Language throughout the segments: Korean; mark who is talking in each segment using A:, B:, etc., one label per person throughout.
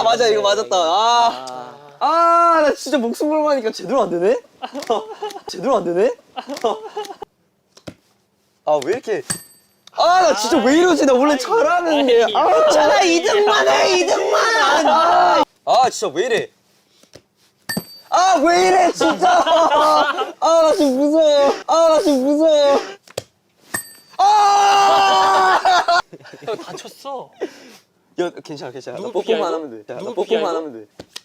A: 맞아 이거 맞았다. 나 진짜 목숨 걸고 하니까 제대로 안 되네? 제대로 안 되네? 왜 이렇게. 나 진짜 왜 이러지? 나 원래 잘하는데. 괜찮아, 2등만 해, 2등만! 진짜 왜 이래? 왜 이래, 진짜! 나 지금 무서워. 나 지금 무서워.
B: 형 다쳤어.
A: 야, 괜찮아. 나
B: 누구 피야,
A: 뽀뽀만
B: 이거?
A: 하면 돼. 나
B: 누구 피야,
A: 뽀뽀만
B: 이거?
A: 하면 돼.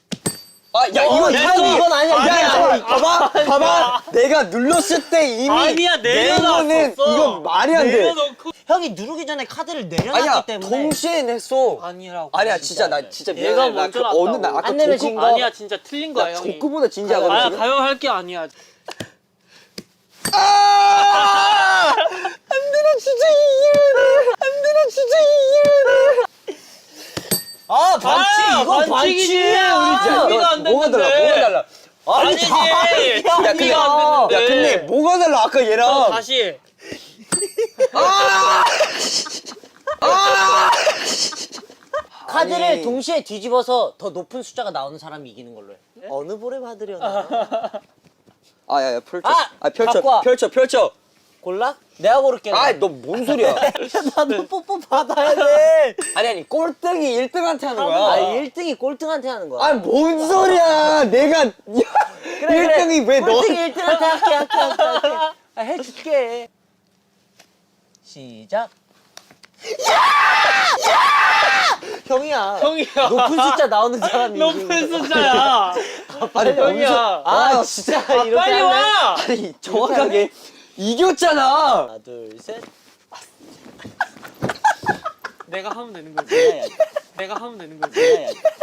A: 이건 아니야. 야, 봐봐. 내가 눌렀을 때 이미
B: 아니야, 내려놨었어.
A: 이거 말이 안 돼.
B: 내려놓고.
C: 형이 누르기 전에 카드를 내려놨기
A: 아니야,
C: 때문에.
A: 동시에 냈어.
B: 아니라고.
A: 아니야, 진짜 나 진짜
B: 얘가
A: 미안해.
B: 먼저
A: 어느 날
B: 났다고.
A: 아까
C: 안 내면 진 거.
B: 아니야, 진짜 틀린 거야,
A: 나
B: 형이.
A: 조크보다 진지하거든. 지금?
B: 가요할 게 아니야.
A: 안 돼, 나 진짜 이기면
C: 반칙! 이거
B: 반칙이지.
C: 반칙이야!
B: 우리 준비가 안
A: 뭐가 달라?
B: 됐는데.
A: 뭐가 달라?
B: 아니지.
A: 야, 근데 뭐가 달라? 아까 얘랑.
B: 다시.
C: 카드를
A: 아니.
C: 동시에 뒤집어서 더 높은 숫자가 나오는 사람이 이기는 걸로 해. 어느 볼에 받으려나?
A: 야, 펼쳐.
C: 갖고 와.
A: 펼쳐.
C: 골라? 내가 고를게.
A: 너 뭔 소리야?
C: 나도 뽀뽀 받아야 돼.
A: 아니, 꼴등이 1등한테 하는 거야.
C: 1등이 꼴등한테 하는 거야.
A: 뭔 소리야? 내가 1등이 왜 너?
C: 꼴등이 1등한테 할게. 해줄게. 시작. 형이야. 높은 숫자 나오는 사람이 이기는
B: 높은
C: 거야.
B: 숫자야.
A: 아니,
B: 형이야.
A: 진짜
C: 이렇게
B: 빨리
C: 하면-
B: 와.
A: 아니, 정확하게 이겼잖아.
C: 하나, 둘, 셋.
B: 내가 하면 되는 거지. 내가 하면 되는 거지.